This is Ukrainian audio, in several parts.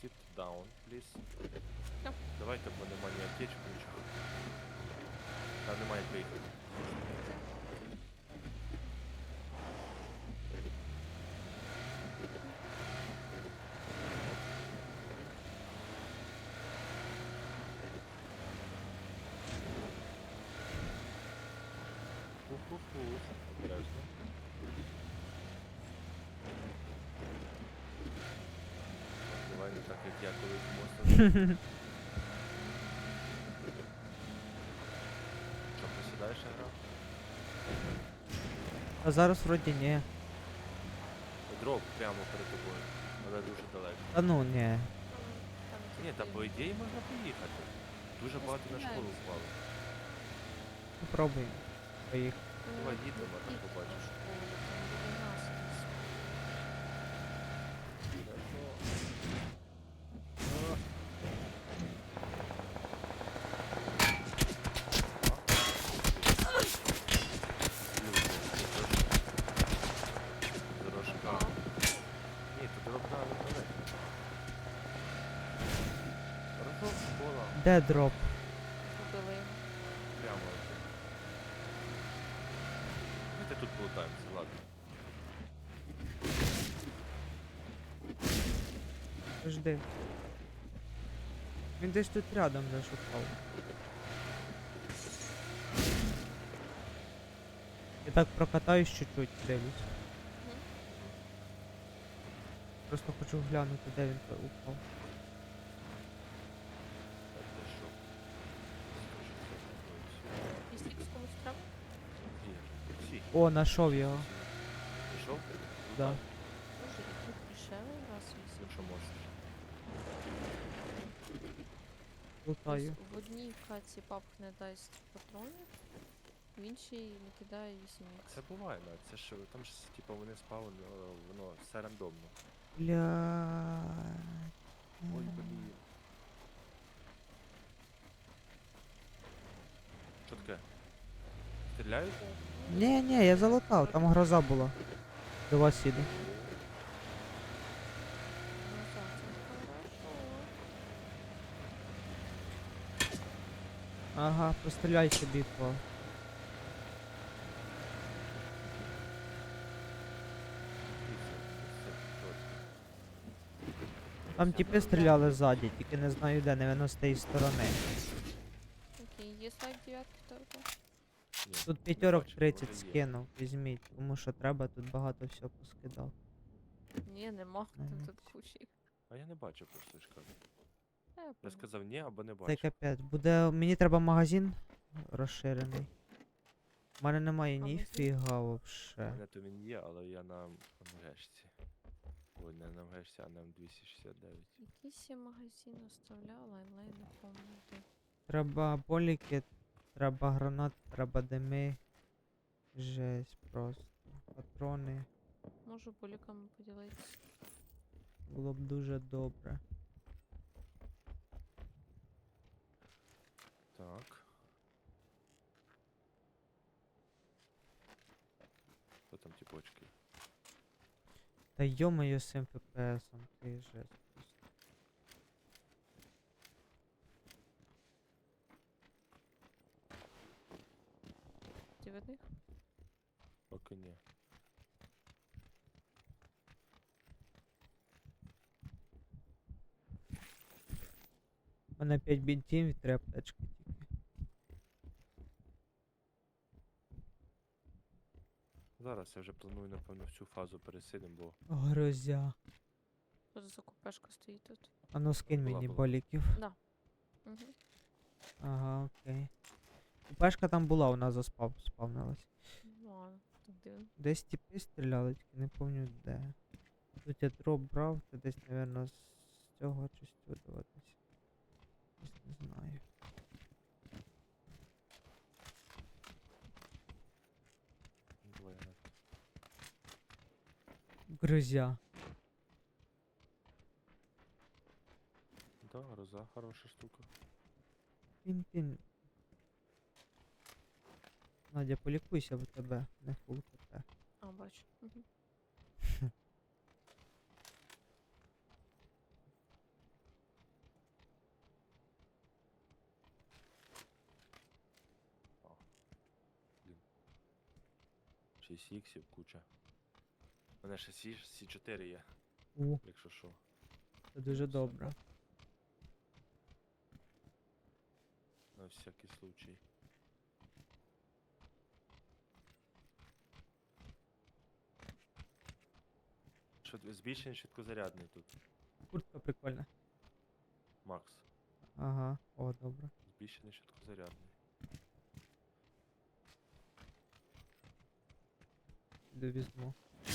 Sit down, please. Що? Давайте, бо нема ні аптечки, нічого. Там немає як виїхати. Фу-фу-фу. Обережно. Давай не так, як я колись мостом. Що, посідаєш грав? А зараз вроді ні. Дроп прямо перед тобою, але дуже далеко. Та ну ні. Ні, та по ідеї можна поїхати. Дуже багато на школу впало. Попробуємо. Поїхали. Давай їдемо, а там побачиш. Дорожка. Ні, то дорога далеко. Разок школа. Де дроп? Убили його. Прямо. Давайте тут полутаємося, ладно. Жди. Він десь тут рядом зашукав. Я так прокатаюсь чуть-чуть, дивлюсь. Просто хочу глянути, де він упав. Так, де що? Якщо комусь треба? Всі. О, нашов його. Пішов? Да. Може, і тут дешевий раз вісім. Якщо можеш. Лутаю. В одній каці папк не дасть патронів, в іншій не кидає 8 Це буває, навіть. Це ж там ж типу вони спали, воно все рандомно. Бля. Ой, блін. Що таке? Стріляють? Ні, я залутав, там гроза була. До вас їду. Ну так, це хорошо. Ага, постріляй собі по. Там тіпи стріляли ззаді, тільки не знаю де, не з тієї сторони. Окей, є слайд 9 только. Тут п'ятерок 30 скинув, візьміть, тому що треба, тут багато всього поскидав. Ні, нема, там Ага. тут кучі. А я не бачу просто, ж кажу. Я Я понял. сказав ні або не Це бачу. капець. Буде. Мені треба магазин розширений. У мене немає Магазин? ніфіга У вообще. мене то він є, але я на МГшці. Ой, не на МГшці, а на М269. Якийсь я магазин оставляла, але я не пам'ятаю де. Треба боліки, треба гранат, треба дими. Жесть просто. Патрони. Можу поліками поділитися. Було б дуже добре. Так. Хто там ті почки? Та йо-моє з цим ФПСом, ти жесть просто. Ти в них? Поки ні. У мене 5 бінтів і 3 аптечки тільки. Зараз я вже планую, напевно, всю фазу пересидим, бо Грозя. Що за закупешка стоїть тут? А ну скинь Була, мені була. боліків. Да. Угу. Ага, окей. Пешка там була, вона спавнилась. Ладно, так дивно. Десь тіпи стріляли, тільки не пам'ятаю де. Тут я дроп брав, це десь, напевно, з цього щось видаватись. Ось не знаю. двоє. Грозя. Да, гроза хороша штука. Пін-пін. Надя, полікуйся в тебе, не фул КП. А, бачу. Угу. 6 іксів, куча. У мене ще Сі4 є, У, якщо що. це дуже добре. На всякий случай. Збільшений швидкозарядний тут, Куртка прикольна. Макс. Ага, о, добре. Збільшений швидкозарядний. Іду візьму.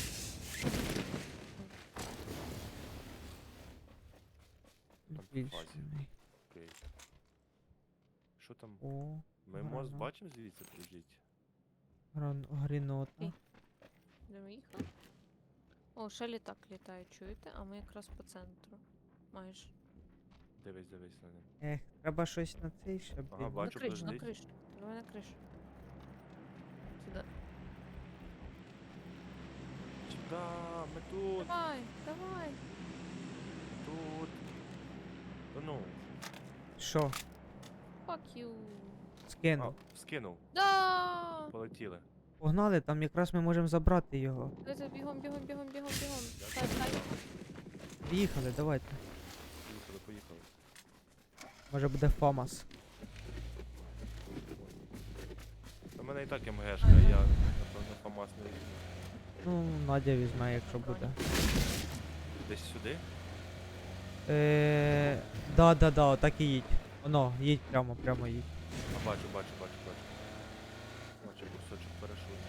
Там по фазі. Збільшений. Окей. Що там? О, Ми мост гранат. бачимо звідси, подождіть. Грінота. Ей. Де ми їхали? О, ще літак літає, чуєте? А ми якраз по центру. Майже. Дивись на ним. Ех, треба щось на цей ще, Ага, блін. На бачу, кришу, на подождіть. кришу. Давай на кришу. Сюди. Да, ми тут, Давай, давай. тут. Та ну, Що? Fuck you. Скину. скинув, Да! полетіли. Погнали, там якраз ми можемо забрати його. Давайте бігом, бігом, бігом, бігом, бігом. Стай, стай. Поїхали, давайте. Поїхали. Може буде ФАМАС. У мене і так МГшка, я, напевно, ФАМАС не візьму. Ну, Надя візьме, якщо буде. Десь сюди? Да, отак і їдь. Воно, їдь прямо їдь. А, бачу. Бачу кусочок парашуту.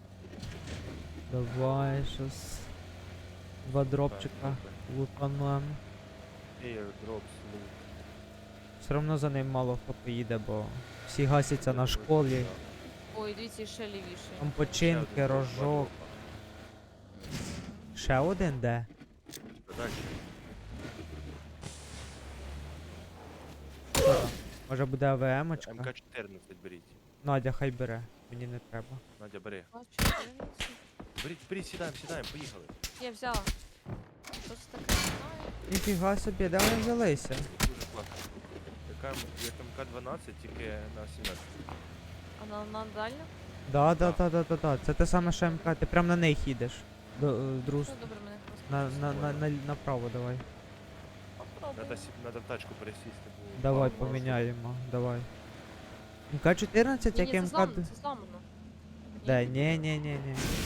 Давай, щас. Два дропчика лутанем. Airdrops, loot. Все одно за ним мало хто поїде, бо всі гасяться на школі. Ой, дивіться, ще лівіше. Там Ще починки, один дроп, два рожок. дропа. Ще один де? Далі. Що там? Може буде АВМ-очка? МК-14 беріть. Надя, хай бере. Мені не треба. Надя, бери. Бачу, дивіться. Беріть, сідаємо, поїхали. Я взяла. Що це таке? Знаю. Ніфіга собі, де вони взялися? Дуже класно. Як МК-12, тільки на 17. А на дальню? Да. Це те саме, що МК. Ти прям на них їдеш. Друз. Ну, добре, мене Направо давай. Попробуй. Надо в тачку пересісти. бо Давай мало поміняємо. Давай. МК-14, як Ні, це МК... зламано, це зламано. Да, ні.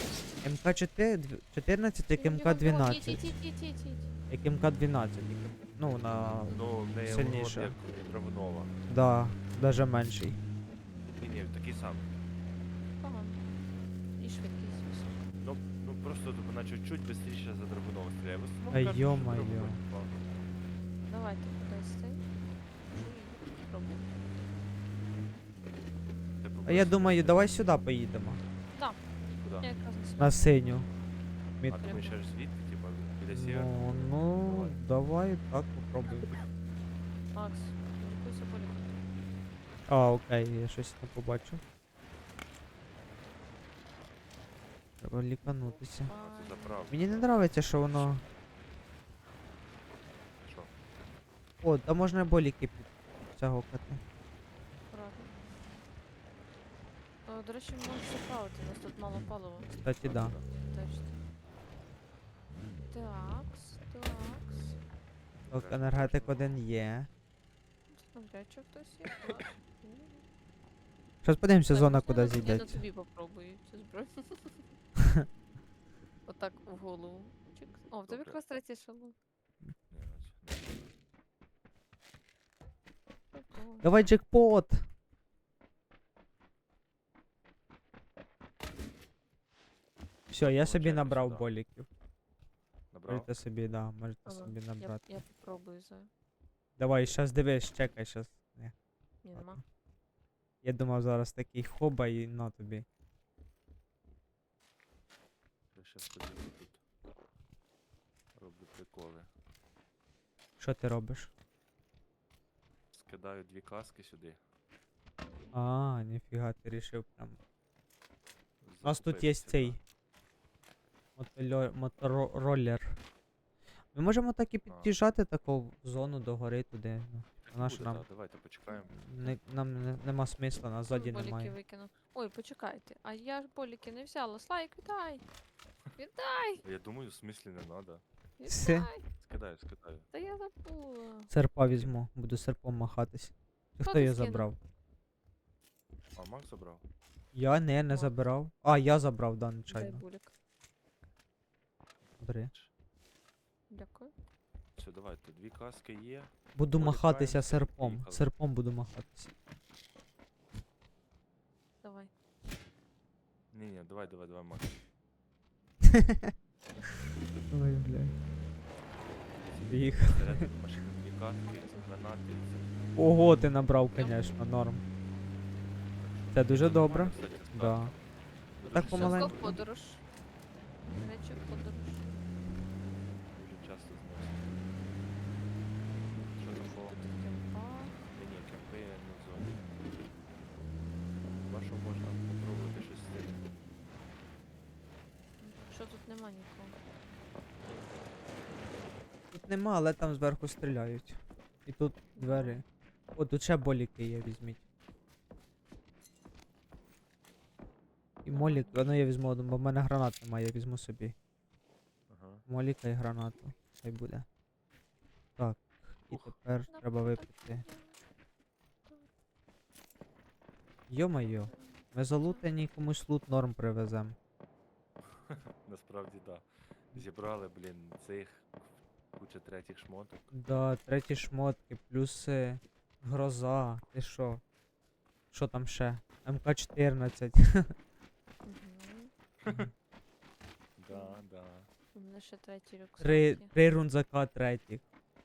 МК-14, як Бігом, бігом, бігом. МК-12. Їдь. Як МК-12. Ну, на... Ну, не Сильніше. як Драгунова. Да, даже менший. Ні, такий самий. Погано. І швидкість висока. Ну просто вона чуть-чуть швидше за Драгунова стріляє. В основному Ай, кажуть, що йо-моє. Драгунов впав. Давайте кудись цей. Пробуй. Ти А побачиш, я думаю, як давай сюди поїдемо. куди? Я якраз на сюди. На синю. А ти думаєш, аж звідти, типа, біля сєвера? Ну, давай так попробуємо. Макс, лікуйся полі. А, окей, я щось не побачив. Треба ліканутися. А, це заправка. Мені не подобається, що воно. Що? О, та можна боліки підтягувати. Аккуратно. До речі, можна заправити, у нас тут мало палива. Кстати, да. Точно. Такс. Так, енергетик один є. Навряд чи хтось є. Так. Зараз подивимося, Так, зона можна куди я на зійдеться. тобі попробую цю зброю. Отак в голову. Чик. О, в тебе Добре. якраз третій шалом. Ні, Прикольно. Давай джекпот! Все, я собі Получаємо набрав сюди. боліків. Набрав? Можете собі, да, можете Ага, собі набрати. Я попробую за. Давай, щас дивись, чекай, щас. Ні, Ні, ладно. нема. Я думав зараз такий хоба і на тобі. Я щас подивлю тут. Роблю приколи. Що ти робиш? Скидаю 2 каски сюди. А, ніфіга, ти рішив прям. У нас тут є Закупитися, цей да. мотороллер. Ми можемо так і під'їжджати таку в зону до гори туди. Ну. і Наш буде, нам. да, давайте почекаємо. Нема смисла, нас ззаді Боліки немає. викину. Ой, почекайте. А я ж боліки не взяла. Слайк, віддай! Віддай! Я думаю, в смислі не надо. Все. Віддай! Скидаю. Та я забула. Серпа візьму, буду серпом махатись. Чи Хто хто ти її скинув? забрав? А, Макс забрав? Я не Макс. забирав. А, я забрав, да, Дай нечайно. булік. Бери. Дякую. Все, давайте, 2 каски є. Буду махатися Полікаємося, серпом. поїхали. Серпом буду махатися. Давай. Ні, давай, Макс. Ой, блядь. Біг. Всередину машини 2 каски, гранати. Ого, ти набрав, конечно, норм. Це дуже добре. Нормально, кстати, з Да. касками. Так Ну, дуже помаленьку. Хто в подорож? Речі в подорож. Дуже часто зносить. Що такого? Тут кемпа. Ні, кемпи не в зоні. Хіба що можна попробувати щось з цим. Що тут нема нікого? Тут нема, але там зверху стріляють. І тут двері. О, тут ще боліки є, візьміть. І молік, ну я візьму один, бо в мене гранат немає, я візьму собі. Ага. Моліка і гранату. Хай буде. Так, і Ух. тепер треба випити. Йо-майо, ми залутані, комусь лут норм привезем. Насправді, да. Зібрали, блін, цих куча третіх шмоток. Да, треті шмотки, плюси, гроза, ти шо? Що там ще? МК-14. Мгм. Да. У мене ще третій рюкзак Три, є. 3 рунзака третіх.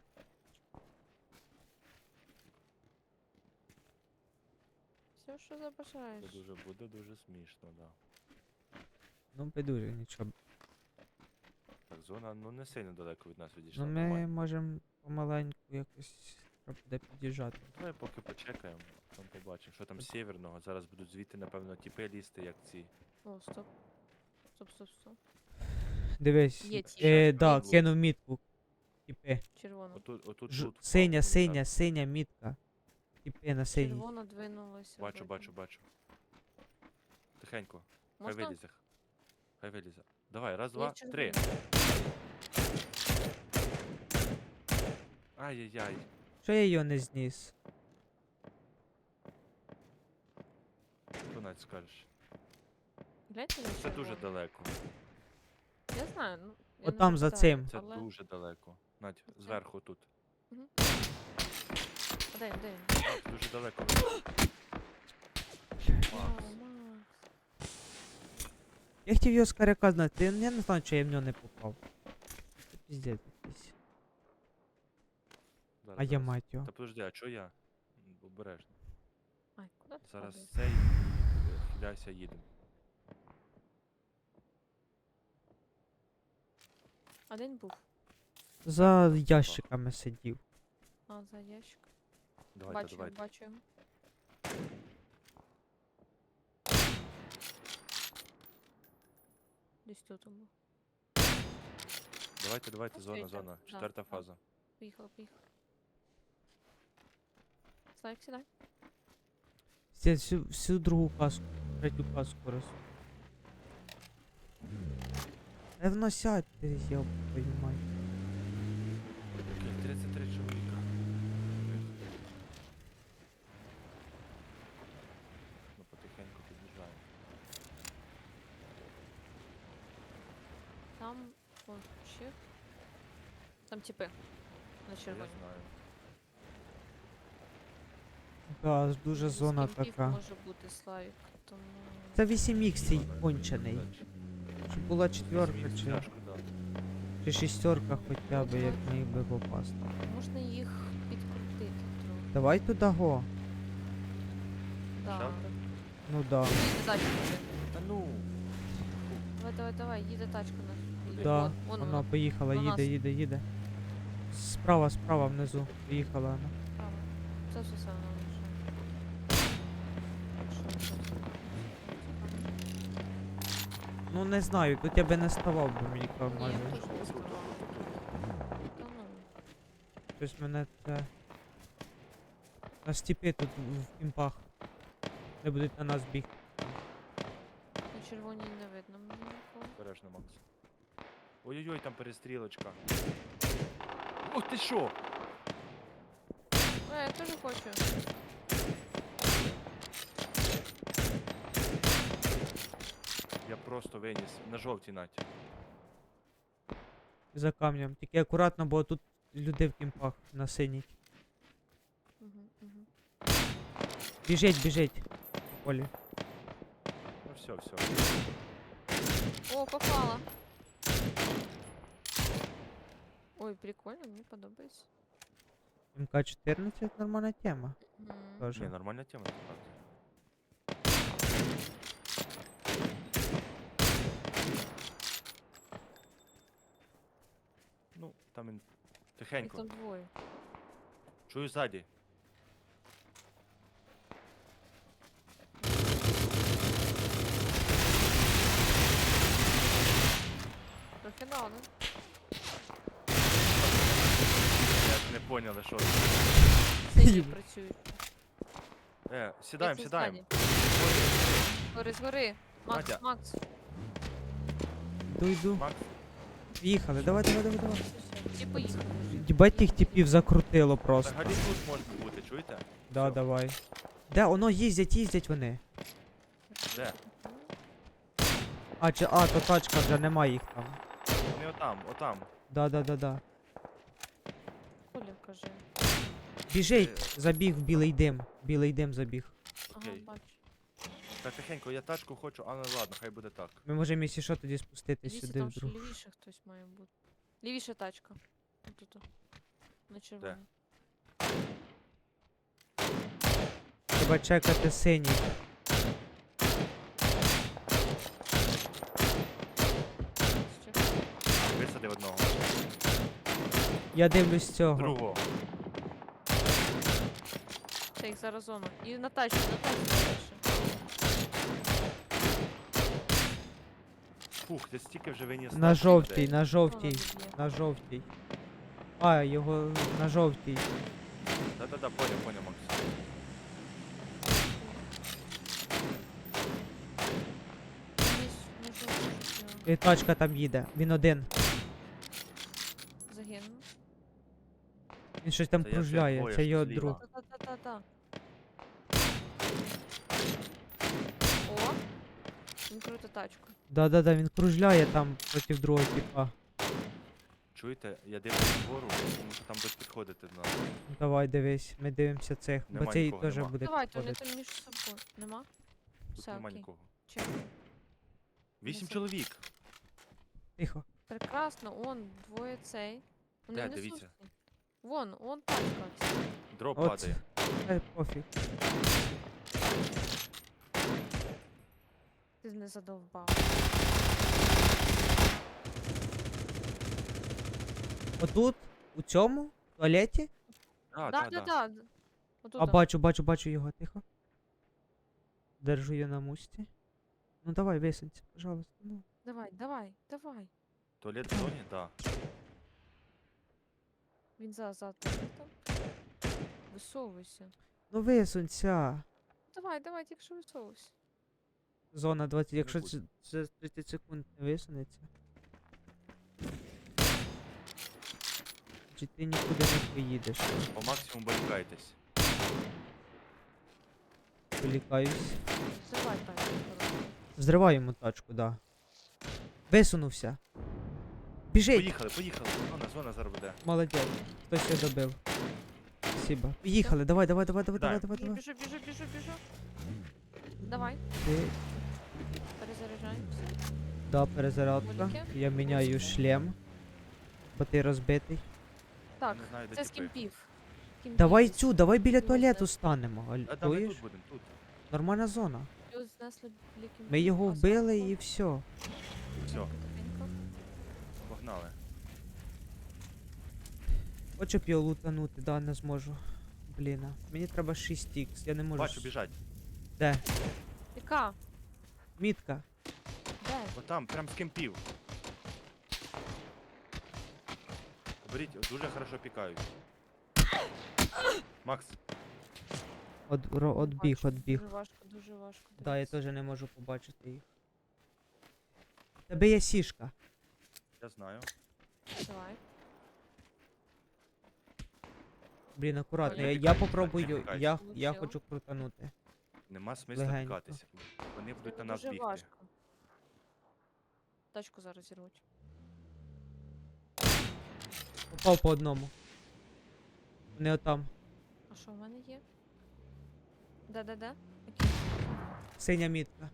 Все, що Це забажаєш. буде дуже смішно, да. Ну, підуже, нічого. Так, зона, ну не сильно далеко від нас відійшла. Ну ми нормально. можемо помаленьку якось треба буде під'їжджати. Давай поки почекаємо, там побачимо, що там з сєвєрного. Зараз будуть звідти, напевно, тіпи лізти, як ці. О, стоп. Стоп. Дивись, Є ті. да, Щас кинув мітку. Тіпи. Червона. Отут Ж- тут. Синя, впав, синя, так. синя мітка. Тіпи на синій. Червона двинулася. Бачу. вроді. Тихенько. Хай Можна? вилізе. Хай вилізе. Давай, раз, Є два, червона. 3. Ай-яй-яй. Що я його не зніс? Що навіть скажеш? Гляньте на Це дуже червону. далеко. Я знаю, ну. я От не там за пам'ятаю, цим. Це але- дуже далеко. Надь, Оце? зверху тут. А де він? Так, дуже далеко. Макс. Макс. Я хотів його з каряка знати, я не знаю, чи я в нього не попав. Це піздець якийсь. Зараз, А я зараз. мать його. Та подожди, а чо я? Обережно. Ай, куди ти Зараз падаєш? цей хиляйся, їдемо. Один був. За ящиками сидів. А, за ящик. Давайте. Бачу його. Десь тут був. Давайте, зона. Освітлюємо, да, Четверта да. фаза. Поїхали. Слайк, сідай. Сидять всю другу каску, третю каску раз. Воно сядь, ти йоб твою мать. Окей, 33 чоловіка. Ну, потихеньку під'їжджаємо. Там он ще. Там типи. На Я червоні. знаю. Да, дуже З зона кемпів така. може бути Славік, тому... Це 8х цей Зона, кончений. дальше. Щоб була четверка Вісім чи, тяжко, да. чи шістерка хоча б, як міг би попасти. Можна їх підкрутити трохи. Давай туди го. Да. Що? Ну да. Їде тачка вже. Та ну! Давай, їде тачка на. Да, Вон воно поїхала, на нас. їде. Справа внизу. Поїхала вона. Право. Це все саме лише. Ну не знаю, тут я би не ставав, бо мені Ні, може. я теж не ставала. Та ну. Щось мене це. На степі тут в кімпах. Де будуть на нас бігти. На червоній не видно мені нікого. Обережно, Макс. Ой-ой-ой, там перестрілочка. Ух ти що? Я теж хочу. Я просто виніс. На жовтій наті. За камнем. Тільки акуратно, бо тут люди в кімпах на синій. Угу. Біжить, біжить. Полі. Ну все, все. О, попала. Ой, прикольно, мені подобається. МК-14 нормальна тема. Мгм. Тоже. Ні, нормальна тема, насправді. Ну, там він Їх тихенько. там двоє. Чую ззаді. Трохи дали. Я не поняли, що. Сині працюють. Сідаємо, Дивіться сідаємо. ззаді. Згори. Макс, Надя. Макс. Йду. Макс, Їхали, давай. Все, ті поїхали. Дібать тих типів закрутило просто. взагалі тут можна бути, чуєте? Да, Всьо. давай. Де, воно їздять вони. Де? То тачка вже нема їх там. Вони отам. Да. Коля, кажи. Біжить, забіг в білий дим забіг. Ага, Окей. бачу. Так, тихенько, я тачку хочу, але ладно, хай буде так. Ми можемо, якщо що, тоді спуститись Дивіться, сюди там ще вдруг. лівіше хтось має бути. Лівіша тачка. Тут. На червоній. Треба чекати синій. Висади одного. Я дивлюсь цього. Другого. Це їх зараз зона. І на тачці дальше. Фух, ти стільки вже виніс. На наших жовтій, людей. на жовтій, доб'є. на жовтій. А, його на жовтій. Да-да-да, понял, Макс. І тачка там їде. Він один. Загинув. Він щось там Це я кружляє. двоє, Це що його зліва. друг. Та-та-та-та-та. О! Він круто тачку. Да, він кружляє там проти другого типа. Чуєте, я дивлюсь вгору, тому що там будуть підходити до нас. Давай, дивись, ми дивимося цих, бо Нема цей нікого, теж нема. буде Давайте, вони підходити. там між собою. Нема? Тут Все, нема окей. нікого. Чек. 8 Несу. чоловік. Тихо. Прекрасно, он, двоє цей. Вони Де, не дивіться? сусні. Вон тачка. Дроп От. падає. Пофіг. Ти не задовбав. Отут, у цьому туалеті. Да. А бачу його, тихо. Держу її на мусті. Ну давай, висунься, пожалуйста. Ну. Давай. Туалет в зоні? Да. Він за туалетом. Висовуйся. Ну висунься. Давай, тільки що висовуйся. Зона 20, якщо буде. це 30 секунд не висунеться. Чи ти нікуди не поїдеш? По максимуму балікайтесь. Полікаюсь. Давай тачку. Взриваю йому тачку, да. Висунувся. Біжить! Поїхали. Зона зараз буде. Молодець. Хтось його добив. Спасибо. Поїхали, давай. Біжу. Давай, Ти- перезаряджаємося. Да, перезарядка. Моліки? Я міняю шлем. Бо ти розбитий. Так, Не знаю, де це з тіпи. кімпів. Давай цю, давай біля Плюс туалету знесли. станемо. Да, ми Чуєш? тут будемо, тут. Нормальна зона. Плюс знесли біля кімпів. Ми його А вбили зверху? і все. Все, Тихенько. погнали. Хочу б його лутанути, да, не зможу. Блін, мені треба 6 х я не можу. Бачу, біжать. Де? Яка? Мітка. Де? Отам, прям з кемпів. Беріть, дуже хорошо пікають. Макс, Отбіг, Бачу, отбіг. Дуже важко, дуже важко. Да, я дивитися. теж не можу побачити їх. Тебе є сішка. Я знаю. Давай. Блін, акуратно. Ой, Я, не я тікай, попробую. не тікай. Я Получила. хочу крутанути. Нема смисла Легенько. пікатися. Вони будуть на Це нас дуже бігти. важко. Тачку зараз зірвуть. Попав по одному. Вони отам. А що в мене є? Де? Окей. Синя мітка.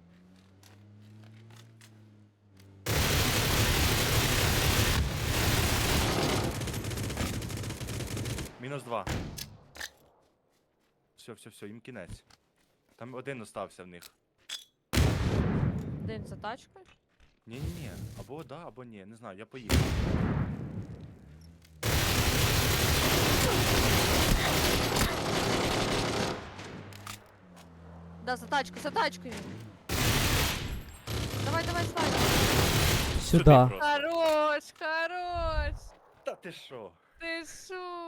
Мінус 2. Все, їм кінець. Там один остався в них. Один за тачкою. Ні. Або да, або ні. Не знаю, я поїхав. Да, за тачкою. Давай, слайд. Сюди. просто. Хорош. Та ти що? Ти шо?